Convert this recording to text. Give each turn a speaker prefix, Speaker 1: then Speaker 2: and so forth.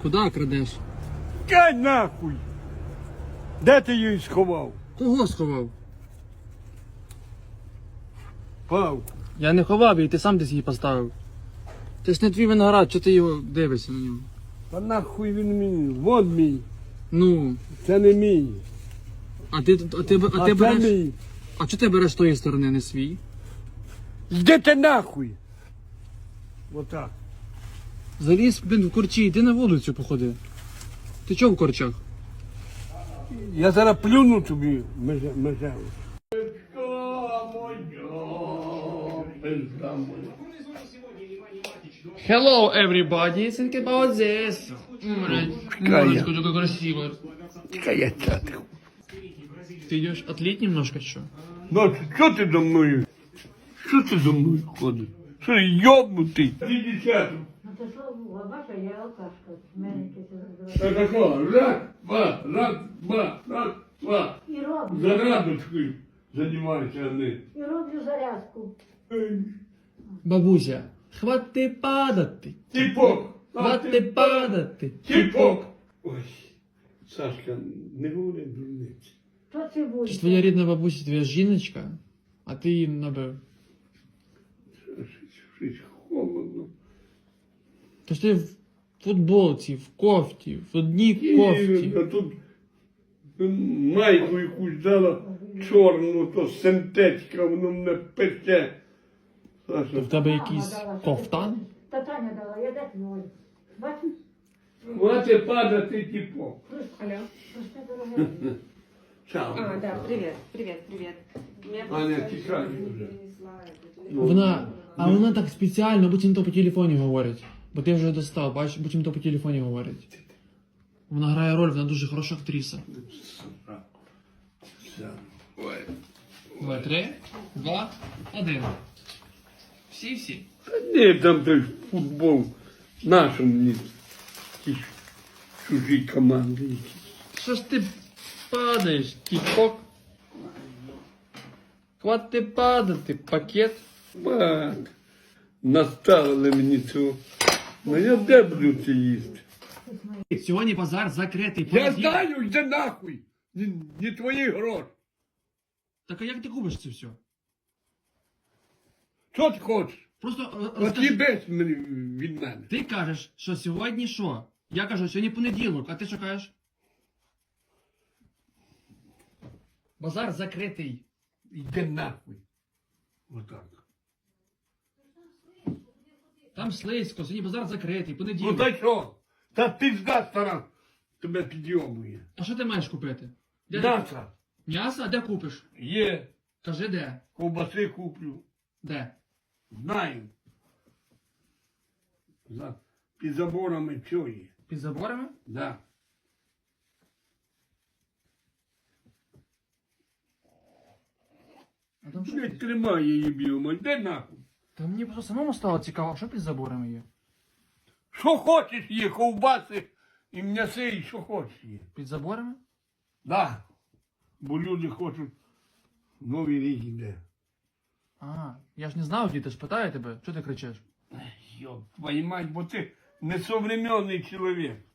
Speaker 1: Куда крадеш?
Speaker 2: Кай нахуй! Де ти її сховав?
Speaker 1: Кого сховав?
Speaker 2: Павку.
Speaker 1: Я не ховав її, ти сам десь її поставив. Це ж не твій виноград, чого ти його дивишся на нього?
Speaker 2: Та нахуй він мій. Вон мій.
Speaker 1: Ну,
Speaker 2: Це не мій.
Speaker 1: а ти
Speaker 2: Це
Speaker 1: береш.
Speaker 2: мій.
Speaker 1: А чого ти береш з тої сторони, не свій?
Speaker 2: Йди ти нахуй. Отак.
Speaker 1: Заліз, блін, в корчі, йди на вулицю походи. Ти чого в корчах?
Speaker 2: Я зараз плюну тобі межеву.
Speaker 1: Hello everybody, think about this. Морочка такая красивая.
Speaker 2: Чекай, я чати.
Speaker 1: Ты идешь отлить немножко, что?
Speaker 2: Ну, що ти за мною? Що ти за мною ходиш? Що, йобнутий? Десятку.
Speaker 3: Ну то що, бача, я алкашка. В мене якесь
Speaker 2: Та тако, раз, два.
Speaker 3: І роблю.
Speaker 2: Зарадочкою займайся, а не.
Speaker 3: І роблю зарядку.
Speaker 1: Бабуся, хвати падати.
Speaker 2: Тіпок!
Speaker 1: Хвати падати.
Speaker 2: Тіпок! Ой, Сашка, не говори дурниці.
Speaker 3: Що це буде?
Speaker 1: Це ж твоя рідна бабуся, твоя жіночка, а ти її набив.
Speaker 2: Щось холодно.
Speaker 1: Тож ти в футболці, в кофті, в одній кофті.
Speaker 2: А тут майку якусь дала чорну, то синтетика, воно мене пече.
Speaker 1: То
Speaker 2: Саша,
Speaker 1: в тебе
Speaker 3: Мама
Speaker 1: якийсь
Speaker 3: дала,
Speaker 1: кофтан?
Speaker 3: Та Таня дала, я де твій? Бачиш?
Speaker 2: хватить падати тіпок.
Speaker 3: Алло. Просте дороге.
Speaker 2: Чао.
Speaker 4: А, да, привет, привет, привет. Меня
Speaker 2: Аня,
Speaker 4: просто
Speaker 2: тікай
Speaker 4: жена
Speaker 2: вже.
Speaker 4: перенесла это, телефон.
Speaker 1: Вона так спеціально, буцімто по телефоні говорить. Бо ти вже достав, бачиш, буцімто по телефоні говорить. Вона грає роль, вона дуже хороша актриса.
Speaker 2: Ой.
Speaker 1: 2, 3, 2, 1. Всі.
Speaker 2: Та ні, там той футбол нашому мені. Ті чужі команди якісь.
Speaker 1: Що ж ти падаєш, тіпок? Хвати падати, пакет.
Speaker 2: Мак, наставили мені цього. Ну я де буду це їсти?
Speaker 1: Сьогодні базар закритий.
Speaker 2: Я
Speaker 1: понеділок.
Speaker 2: знаю, йди нахуй. Не твої гроші.
Speaker 1: Так а як ти купиш це все?
Speaker 2: Що ти хочеш?
Speaker 1: Просто
Speaker 2: От
Speaker 1: розкажи.
Speaker 2: їбись мені від мене.
Speaker 1: Ти кажеш, що сьогодні що? Я кажу, сьогодні понеділок, а ти що кажеш? Базар закритий.
Speaker 2: Йди нахуй. Отак.
Speaker 1: Там слизько, сьогодні базар закритий,
Speaker 2: Ну
Speaker 1: понеділок.
Speaker 2: та що? Та пізда стара тебе підйомує.
Speaker 1: А що ти маєш купити? Де ти-
Speaker 2: М'ясо
Speaker 1: М'ясо? А де купиш?
Speaker 2: є,
Speaker 1: Кажи де?
Speaker 2: ковбаси куплю.
Speaker 1: Де?
Speaker 2: Знаю. Під заборами що є.
Speaker 1: Під заборами?
Speaker 2: Да.
Speaker 1: А там що?
Speaker 2: Не тримай її біома, йди нахуй.
Speaker 1: Та мені просто самому стало цікаво, що під заборами є?
Speaker 2: Що хочеш є, ковбаси і м'яси, і що хочеш є.
Speaker 1: Під заборами?
Speaker 2: Да. Бо люди хочуть Новий рік іде.
Speaker 1: А, я ж не знав, діти ж питаю тебе, що ти кричиш?
Speaker 2: Йоп, твою мать, бо ти несовременний чоловік.